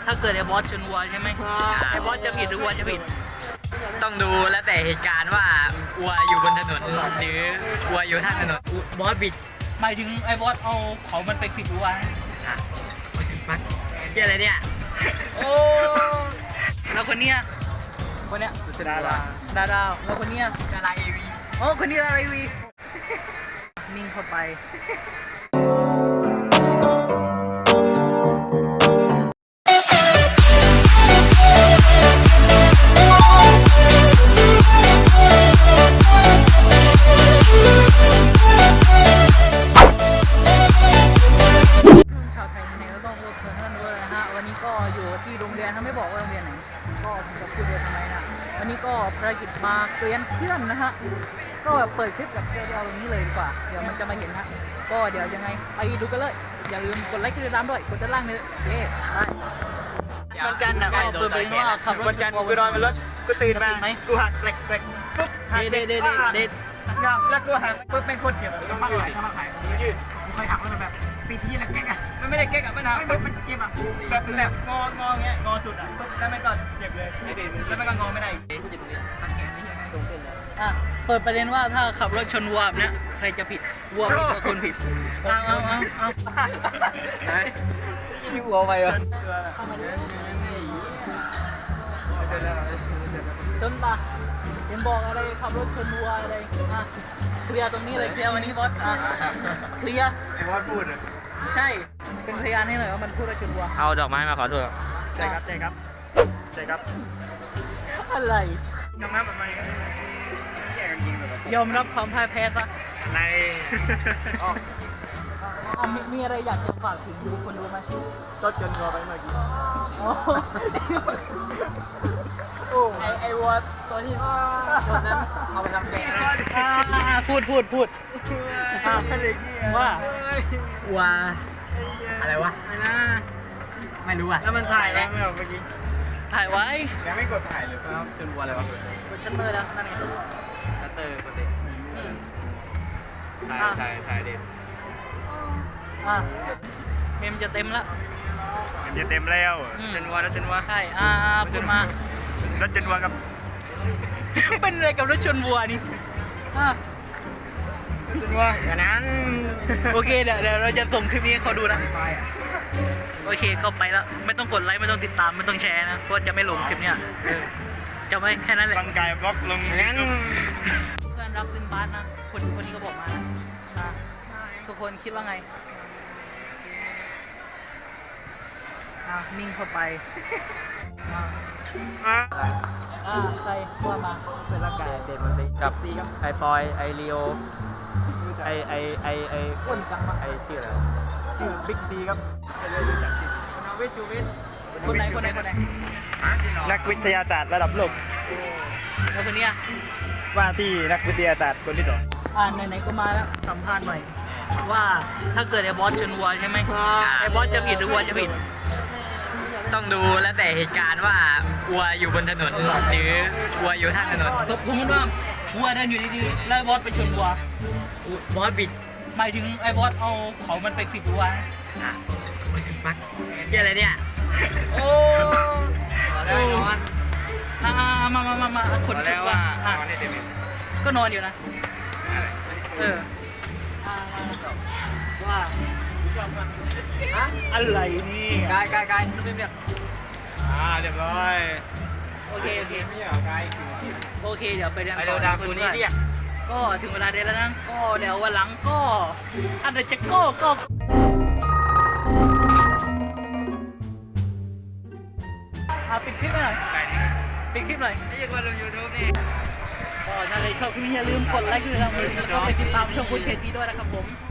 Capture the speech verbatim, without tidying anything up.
ถ้าเกิดไอ้บอสชนวัวใช่ไหมไอ้บอสจะผิดหรือวัวจะผิดต้องดูแล้วแต่เหตุการณ์ว่าวัวอยู่บนถนนหรือวัวอยู่ข้างถนนบอสบิดหมายถึงไอ้บอสเอาเขามันไปผิดวัวอ่ะมัดเกี่ยอะไรเนี่ยโอ้แล้วคนเนี้ยคนเนี้ยดาราดาราแล้วคนเนี้ยดาราเอวีโอ้คนนี้ดาราเอวีนิ่งเข้าไปวันนี้ก็อยู่ที่โรงเรียนถ้าไม่บอกว่าโรงเรียนไหนก็ผมจะพูดเลยทำไมนะวันนี้ก็ภารกิจมาเรียนเพื่อนนะฮะก็เปิดคลิปกับเดี๋ยวตรงนี้เลยดีกว่าเดี๋ยวมันจะมาเห็นฮะก็เดี๋ยวยังไงไปดูกันเลยอย่าลืมกดไลค์กดติดตามด้วยกดด้านล่างเลยเย้ไปวันจันทร์นะก็เปิดเป็นว่าขับรถวันจันทร์กูนอนบนรถกูตื่นมากูหักเล็กเล็กปุ๊บเด็ดเด็ดเด็ดเด็ดแล้วกูหักปุ๊บเป็นคนเกี่ยวกับบ้าไหลบ้าไหลยืดกูเคยหักแล้วมันแบบปีที่แล้วแก๊กอ่ะมันไม่ได้แก๊กอ่ะมันหักปุ๊บมันเจ็บอ่ะแบบแบบงองอเงี้ยงอสุดอ่ะปุ๊บแล้วไม่ก็เจ็บเลยแล้วไม่ก็งอไม่ได้อ่ะเปิดประเด็นว่าถ้าขับรถชนวัวแบบเนี้ยใครจะผิดวัวผิดหรือคนผิดเอาเอาเอาเอายี่วัวไปวะชนปะเห็นบอกอะไรขับรถชนวัวอะไรอ่ะเคลียร์ตรงนี้เลยเคลียร์วันนี้บอสอ่ะเคลียร์ไอ้บอสพูดอ่ะใช่เป็นพยานให้หน่อยว่ามันพูดว่าชนวัวเอาดอกไม้มาขอโทษใช่ครับใช่ครับใช่ครับอะไรน้ำน้ำแบบไหนยอมรับความพ่ายแพ้ซะในอ่ะมีมีอะไรอยากจะฝากถึงดูคนดูไหมก็จนวัวไปเมื่อกี้ไอไอวัวตัวที่ชนนั้นเอาไปทำแกงพูดพูดพูดว่าวัวอะไรวะไม่น่าไม่รู้อ่ะแล้วมันถ่ายแล้วไม่ออกเมื่อกี้ถ่ายไว้ยังไม่กดถ่ายเลยครับจนวัวอะไรวะกดชัตเตอร์แล้วนั่นเองชัตเตอร์ปกติถ่ายถ่ายถ่ายดิอ่ะเมมจะเต็มแล้วมันจะเต็มแล้วจนวัวแล้วจนวัวใช่อ่าพูดมารถจนวัวกับเป็นอะไรกับรถชนวัวนี่อ่ะจนวัวอย่างนั้นโอเคเดี๋ยวเดี๋ยวเราจะส่งคลิปนี้ให้เขาดูนะโอเคก็ไปแล้วไม่ต้องกดไลค์ไม่ต้องติดตามไม่ต้องแชร์นะเพราะจะไม่ลงคลิปเนี้ยจะไม่แค่นั้นแหละร่างกายบล็อกลงงั้นเพื่อนรักเป็นบาสนะคนคนนี้ก็บอกมานะทุกคนคิดว่าไงอ่ะนิ่งเข้าไปอ่าอ่าใครว่ามาเป็นร่างกายเด็กมันสิกับซีครับไอปอยไอรีโอไอไอไอไออ้วนจังปะไอชื่ออะไรชื่อบิ๊กซีครับไม่ได้รู้จักชื่อนาวิจูวิทคนไหนคนไหนคนไหนนักวิทยาศาสตร์ระดับโลกแล้วคนนี้ว่าที่นักวิทยาศาสตร์คนที่สองอ่าไหนๆก็มาแล้วสัมภาษณ์หน่อยว่าถ้าเกิดไอ้บอสชนวัวใช่ไหมไอ้บอสจะผิดหรือวัวจะผิดต้องดูแล้วแต่เหตุการณ์ว่าวัวอยู่บนถนนหรือวัวอยู่ข้างถนนสมมติว่าวัวเดินอยู่ดีๆแล้วบอสไปชนวัวบอสบิดหมายถึงไอ้บอสเอาเขามันไปผิดวัวอ่ะมัดเกี่ยอะไรเนี่ยโอ้ได้นอนอ่ามามามามาคนคิดว่าก็นอนอยู่นะเออว่าอะไรนี่กายกายกายนุ่มเนี่ยอ่าเรียบร้อยโอเคโอเคไม่เหรอกายโอเคเดี๋ยวไปเรียนต่อดตัวนี้เรียกก็ถึงเวลาเรียนแล้วนะก็เดี๋ยววันหลังก็อะไรจะก็ก็อ่ะปิดคลิปหน่อยปิดคลิปหน่อยไม่ยังมาลงยูทูบนี่ก็ถ้าใครชอบคลิปนี้อย่าลืมกดไลค์กดติดตามกดติดตามช่องคุณเคทีด้วยนะครับผม